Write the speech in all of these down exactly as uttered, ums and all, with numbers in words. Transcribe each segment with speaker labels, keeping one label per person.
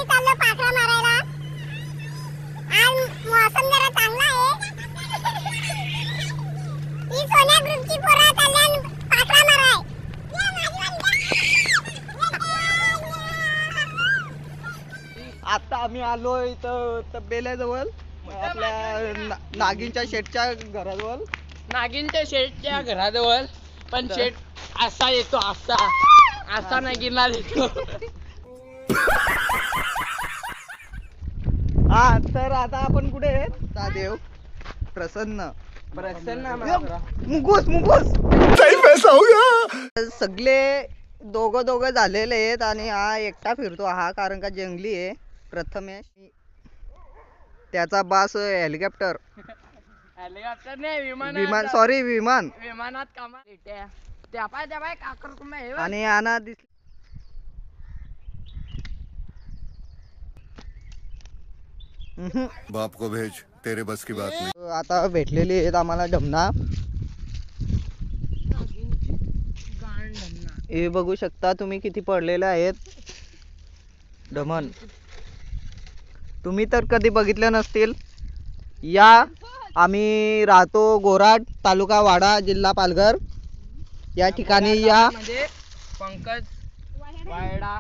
Speaker 1: चाललो पाखरा मारायला. आज मौसम जरा चांगला आहे. ही सोन्या ग्रुपची पोरं चालल्यान पाखरा माराय.
Speaker 2: आता आम्ही आलो इथं तबेल्याजवळ आपल्या ना- नागिनच्या शेटच्या घराजवळ.
Speaker 3: नागिनच्या शेटच्या घराजवळ पण शेट असा येतो असा असा नागिनला येतो.
Speaker 2: हा तर आता आपण कुठे आहे? देव प्रसन्न
Speaker 3: प्रसन्न
Speaker 2: मुगूस मुगूस सगळे दोघं दोघं झालेले आहेत आणि हा एकटा फिरतो हा कारण का जंगली आहे. प्रथमेश त्याचा बास हेलिकॉप्टर
Speaker 3: हेलिकॉप्टर नाही विमान
Speaker 2: विमान सॉरी विमान
Speaker 3: विमानात कामा त्या त्या पाय त्या पाय काकर कुंभा हे बघ.
Speaker 2: आणि आना दिस हम्म.
Speaker 4: बाप को भेज तेरे बस की बात नहीं.
Speaker 2: आता भेटलेली आहेत आम्हाला ढमना.
Speaker 3: गाण धन्ना.
Speaker 2: हे बघू शकता तुम्ही किती पडलेले आहेत ढमन. तुम्ही तर कधी बघितले नसतील. या आम्ही राहतो गोराड तालुका वाडा जिल्हा पालघर या ठिकाणी या.
Speaker 3: म्हणजे पंकज वायडा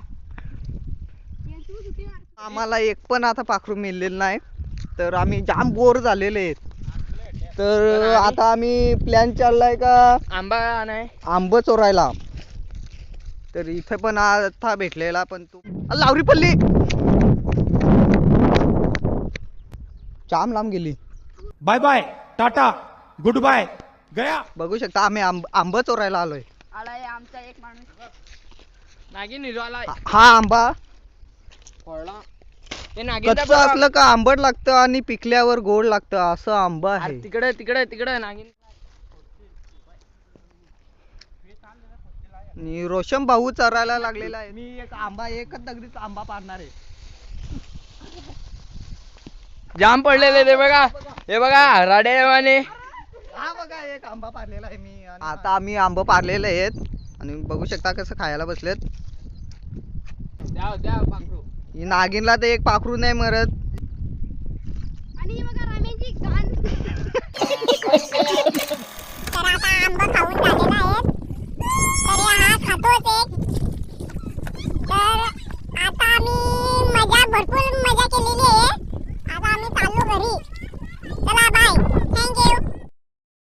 Speaker 2: आम्हाला एक पण आता पाखरू मिळलेलं नाही तर आम्ही जाम बोर झालेले आहेत. तर आता आम्ही प्लॅन चाललाय का
Speaker 3: आंबा नाही
Speaker 2: आंब चोरायला. तर इथे पण आता भेटलेला पण तू लावरी पल्ली जाम लांब गेली.
Speaker 5: Bye bye tata good bye गया.
Speaker 2: बघू शकता आम्ही आंब आंब चोरायला आलोय.
Speaker 3: आलाय आमचा एक माणूस नागिन हिरो आलाय.
Speaker 2: हा आंबा
Speaker 3: फोडला ते नागिन
Speaker 2: कच्चं असलं का आंबट लागतं आणि पिकल्यावर गोड लागतं असं आंबा आहे.
Speaker 3: तिकडे तिकडे तिकडे नागिन.
Speaker 2: आणि रोशन भाऊ चरायला लागलेला आहे. मी एक आंबा एकच दगडीत आंबा पाडणार आहे.
Speaker 3: जाम पडलेले ते बघा हे बघा राडेवाने.
Speaker 2: हा बघा एक आंबा पाडलेला आहे मी. आता आम्ही आंबा पाडलेले आहेत आणि बघू शकता कसं खायला बसलेत.
Speaker 3: द्या द्या पाखरू.
Speaker 2: ही नागिनला तर एक पाखरू नाही मरत.
Speaker 1: आणि बघा रामेची गाण. तर आता आंबा